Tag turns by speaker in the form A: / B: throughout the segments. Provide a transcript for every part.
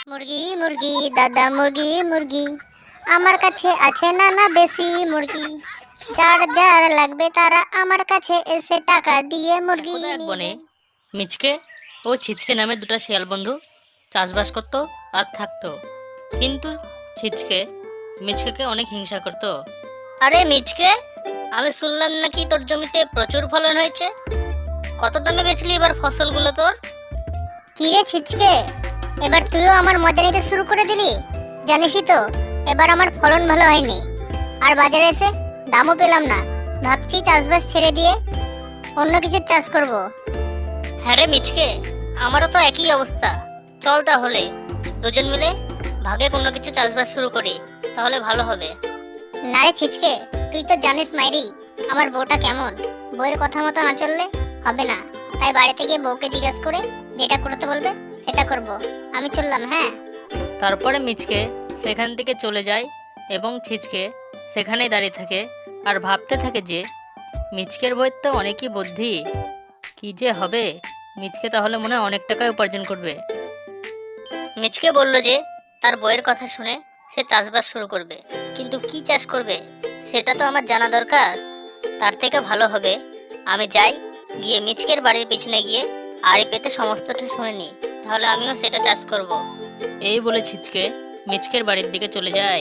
A: মুরগি মুরগি দাদা মুরগি মুরগি আমার কাছে আছে নানা দেশি মুরগি, যার যার লাগবে তারা আমার কাছে এসে টাকা দিয়ে মুরগি
B: একদা এক বনে
A: নেবেন।
B: মিচকে ও ছিচকে নামে দুটো শিয়াল বন্ধু চাষবাস করতো আর থাকতো। কিন্তু ছিচকে মিচকেকে অনেক হিংসা করতো। আরে মিচকে, আমি শুনলাম নাকি তোর জমিতে প্রচুর ফলন হয়েছে। কত দামে বেচলি এবার ফসলগুলো তোর?
A: কি রে ছিচকে, এবার তুইও আমার মজা নিতে শুরু করে দিলি? জানিসই তো এবার আমার ফলন ভালো হয়নি, আর বাজারে এসে দামও পেলাম না। ভাবছি চাষবাস ছেড়ে দিয়ে অন্য কিছু চাষ করব।
B: হ্যাঁ রে মিচকে, আমারও তো একই অবস্থা। চল তাহলে দুজন মিলে ভাগে কোনো কিছু চাষবাস শুরু করি, তাহলে ভালো হবে।
A: না রে ছিচকে, তুই তো জানিস মাইরি আমার বউটা কেমন, বউয়ের কথা মতো না চললে হবে না। তাই বাড়িতে গিয়ে বউকে জিজ্ঞেস করে যেটা করতে বলবে সেটা করব। আমি চললাম, হ্যাঁ।
B: তারপরে মিচকে সেখান থেকে চলে যায় এবং ছিচকে সেখানেই দাঁড়িয়ে থাকে আর ভাবতে থাকে যে মিচকের বইয়ের তো অনেকই বুদ্ধি, কি যে হবে। মিচকে তাহলে মনে হয় অনেক টাকায় উপার্জন করবে। মিচকে বলল যে তার বইয়ের কথা শুনে সে চাষবাস শুরু করবে, কিন্তু কি চাষ করবে সেটা তো আমার জানা দরকার। তার থেকে ভালো হবে আমি যাই, গিয়ে মিচকের বাড়ির পিছনে গিয়ে আড়ি পেতে সমস্তটা শুনে নিই, তাহলে আমিও সেটা চাষ করব। এই বলে ছিচকে মিচকের বাড়ির দিকে চলে যায়।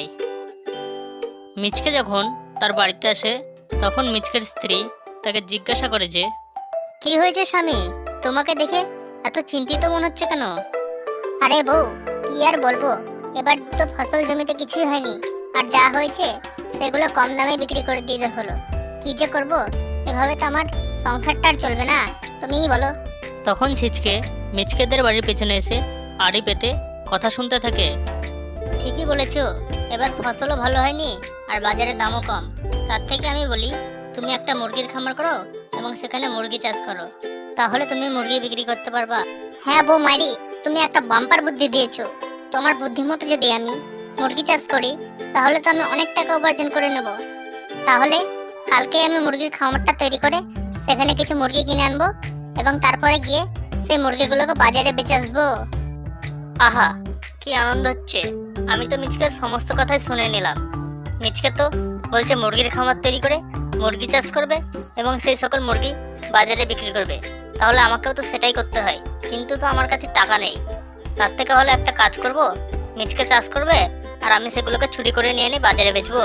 B: মিচকে যখন তার বাড়িতে আসে তখন মিচকের স্ত্রী তাকে জিজ্ঞাসা করে যে, কি হয়েছে স্বামী, তোমাকে দেখে এত চিন্তিত মনে হচ্ছে কেন?
A: আরে বউ, কি আর বলবো, এবার তো ফসল জমিতে কিছুই হয়নি, আর যা হয়েছে সেগুলো কম দামে বিক্রি করে দিতে হলো। কি যে করব, এভাবে তো আমার সংসারটা আর চলবে না, তুমিই বলো।
B: তখন ছিচকে মিচকেদের বাড়ির পেছনে এসে আড়ি পেতে কথা শুনতে থাকে। ঠিকই বলেছ, এবার ফসলও ভালো হয়নি আর বাজারে দামও কম। তার থেকে আমি বলি তুমি একটা মুরগির খামার করো এবং সেখানে মুরগি চাষ করো, তাহলে তুমি মুরগি বিক্রি করতে পারবা।
A: হ্যাঁ বউ মাইরি, তুমি একটা বাম্পার বুদ্ধি দিয়েছো। তোমার বুদ্ধি মতো যদি আমি মুরগি চাষ করি তাহলে তো আমি অনেক টাকা উপার্জন করে নেব। তাহলে কালকে আমি মুরগির খামারটা তৈরি করে সেখানে কিছু মুরগি কিনে আনবো এবং তারপরে গিয়ে সেই মুরগিগুলোকে বাজারে বেচে আসবো।
B: আহা, কি আনন্দ হচ্ছে। আমি তো মিচকের সমস্ত কথাই শুনে নিলাম। মিচকে তো বলছে মুরগির খামার তৈরি করে মুরগি চাষ করবে এবং সেই সকল মুরগি বাজারে বিক্রি করবে, তাহলে আমাকেও তো সেটাই করতে হয়, কিন্তু তো আমার কাছে টাকা নেই। তার থেকে হলে একটা কাজ করব, মিচকে চাষ করবে আর আমি সেগুলোকে চুরি করে নিয়ে এনে বাজারে বেচবো।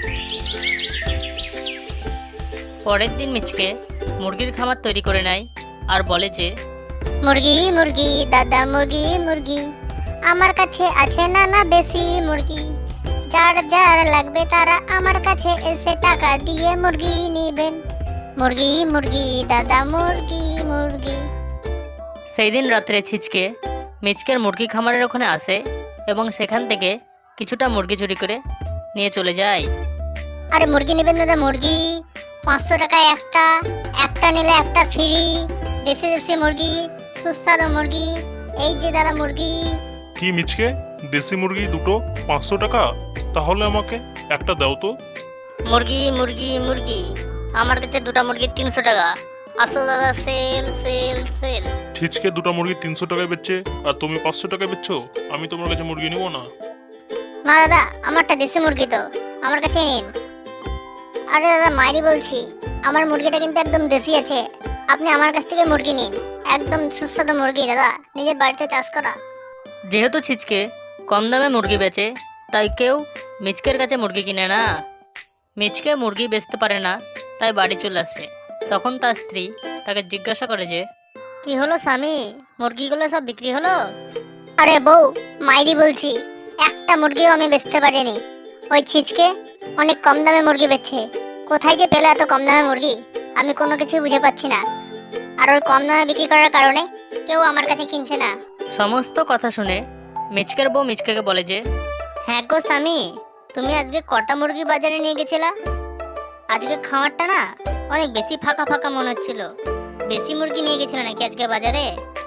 B: পরের দিন মিচকে মুরগির খামার তৈরি করে নেয় আর বলে যে,
A: মুরগি মুরগি দাদা মুরগি মুরগি আমার কাছে আছে নানা দেশি মুরগি, যার যার লাগবে তারা আমার কাছে এসে টাকা দিয়ে মুরগি নেবেন। মুরগি মুরগি দাদা মুরগি মুরগি।
B: সেই দিন রাত্রে ছিচকে মিচকের মুরগি খামারের ওখানে আসে এবং সেখান থেকে কিছুটা মুরগি চুরি করে নিয়ে চলে যায়।
A: আরে মুরগি নেবেন দাদা মুরগি, 500 টাকায় একটা, একটা নিলে একটা ফ্রি। দেশি দেশি মুরগি, সুস্বাদু মুরগি, এই যে দাদা মুরগি।
C: কি মিচকে, দেশি মুরগি দুটো 500 টাকা? তাহলে আমাকে একটা দাও তো।
B: মুরগি মুরগি মুরগি, আমার কাছে দুটো মুরগি 300 টাকা। আসো দাদা, সেল সেল সেল।
C: ছিচকে দুটো মুরগি 300 টাকায় বেচছে আর তুমি 500 টাকায় বেচছো। আমি তোমার কাছে মুরগি নেবো না।
A: না দাদা, আমারটা দেশি মুরগি তো, আমার কাছে নিন। আরে দাদা মাইরি বলছি, আমার মুরগিটা কিন্তু একদম দেশি আছে, আপনি আমার কাছ থেকে মুরগি নিন। একদম সুস্বাদু মুরগি দাদা, নিজের বাড়িতে চাষ করা।
B: যেহেতু ছিচকে কম দামে মুরগি বেচে, তাই কেউ মিচকের কাছে মুরগি কিনে না। মিচকে মুরগি বেচতে পারে না, তাই বাড়ি চলে আসে। তখন তার স্ত্রী তাকে জিজ্ঞাসা করে যে, কি হলো স্বামী, মুরগিগুলো সব বিক্রি হলো?
A: আরে বউ মাইরি বলছি, একটা মুরগিও আমি বেচতে পারিনি। ওই ছিচকে অনেক কম দামে মুরগি বেচছে। কোথায় যে পেলো এত কম দামে মুরগি, আমি কোনো কিছু বুঝে পাচ্ছি না। আর ওই কম দামে বিক্রি করার কারণে কেউ আমার কাছে কিনছে না।
B: সমস্ত কথা শুনে মিচকের বউ মিচকেকে বলে যে, হ্যাঁ গো স্বামী, তুমি আজকে কটা মুরগি বাজারে নিয়ে গেছিলা? আজকে খামারটা না অনেক বেশি ফাঁকা ফাঁকা মনে হচ্ছিল। বেশি মুরগি নিয়ে গেছিল নাকি আজকে বাজারে?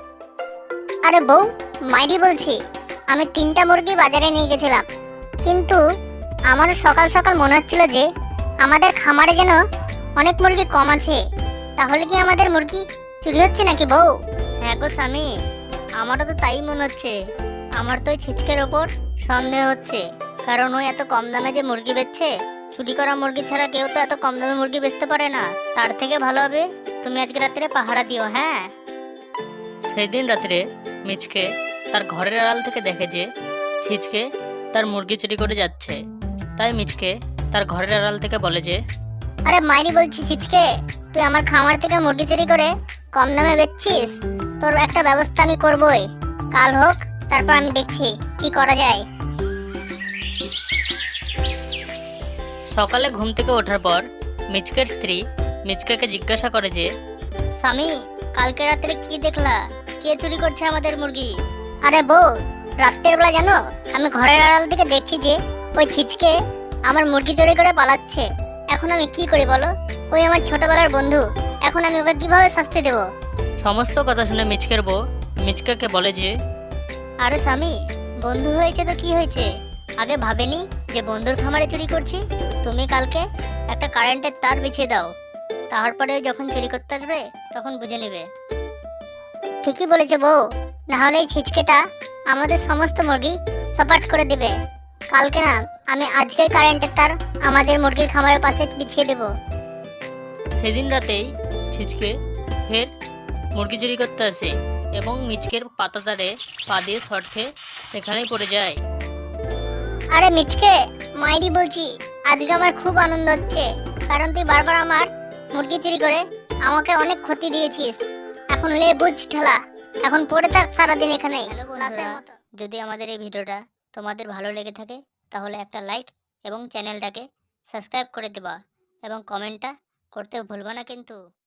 A: আরে বউ মাইরি বলছি, আমি 3টা মুরগি বাজারে নিয়ে গেছিলাম, কিন্তু আমার সকাল সকাল মনে হচ্ছিল যে আমাদের খামারে যেন অনেক মুরগি কম আছে। তাহলে কি আমাদের মুরগি চুরি হচ্ছে নাকি বউ?
B: হ্যাঁ গো স্বামী, আমারও তো তাই মনে হচ্ছে।
A: আমার তো ওই ছিচকের ওপর সন্দেহ হচ্ছে, কারণ ওই এত কম দামে যে মুরগি বেচছে, চুরি করা মুরগি ছাড়া কেউ তো এত কম দামে মুরগি বেচতে পারে না। তার থেকে ভালো হবে তুমি আজকে রাত্রে পাহারা দিও, হ্যাঁ?
B: সেই দিন রাত্রে মিচকে তার ঘরের আড়াল থেকে দেখে যে ছিচকে তার মুরগি চুরি করে যাচ্ছে। তাই মিচকে তার ঘরের আড়াল থেকে বলে যে,
A: আরে মাইরি বলছি ছিচকে, তুই আমার খামার থেকে মুরগি চুরি করে কম দামে বেচছিস, তোর একটা ব্যবস্থা আমি করবই। কাল হোক, তারপর আমি দেখছি কি করা যায়।
B: সকালে ঘুম থেকে ওঠার পর মিচকের স্ত্রী মিচকেকে জিজ্ঞাসা করে যে,
A: স্বামী, কালকে রাত্রে কি দেখলা? কে চুরি করছে আমাদের মুরগি? আরে বউ, রাত্রের বেলা জানো আমি ঘরের আড়াল থেকে দেখছি যে ওই ছিচকে আমার মুরগি চুরি করে পালাচ্ছে। এখন আমি কি করি বলো? ওই আমার ছোটবেলার বন্ধু, এখন আমি ওকে কিভাবে শাস্তি দেব?
B: সমস্ত কথা শুনে মিচকের বউ মিচকেকে বলে যে,
A: আরে স্বামী, বন্ধু হয়েছে তো কি হয়েছে? আগে ভাবেনি যে বন্ধুর খামারে চুরি করছি? তুমি কালকে একটা কারেন্টের তার বিছিয়ে দাও, তারপরে যখন চুরি করতে আসবে তখন বুঝে নেবে। ঠিকই বলেছে বউ, না হলে এই ছিচকেটা আমাদের সমস্ত মুরগি সাপাট করে দিবে। কালকে না, আমি আজকেই কারেন্টের তার আমাদের মুরগির খামারের পাশে বিছিয়ে দেব।
B: সেদিন রাতেই ছিচকে ফের মুরগি চুরি করতে আসে এবং মিচকের পাতাতারে পা দিয়ে শর্ট খেয়ে সেখানেই পড়ে যায়।
A: আরে মিচকে, মাইরি বলছি, আজকে আমার খুব আনন্দ হচ্ছে, কারণ তুই বারবার আমার মুরগি চুরি করে আমাকে অনেক ক্ষতি দিয়েছিস। এখন লে বুঝ ঠেলা, এখন পড়ে থাক সারাদিন এখানে লাশের মতো। যদি আমাদের এই ভিডিওটা তোমাদের ভালো লেগে থাকে তাহলে একটা লাইক এবং চ্যানেলটাকে সাবস্ক্রাইব করে দেবা এবং কমেন্টটা করতে ভুলবা না কিন্তু।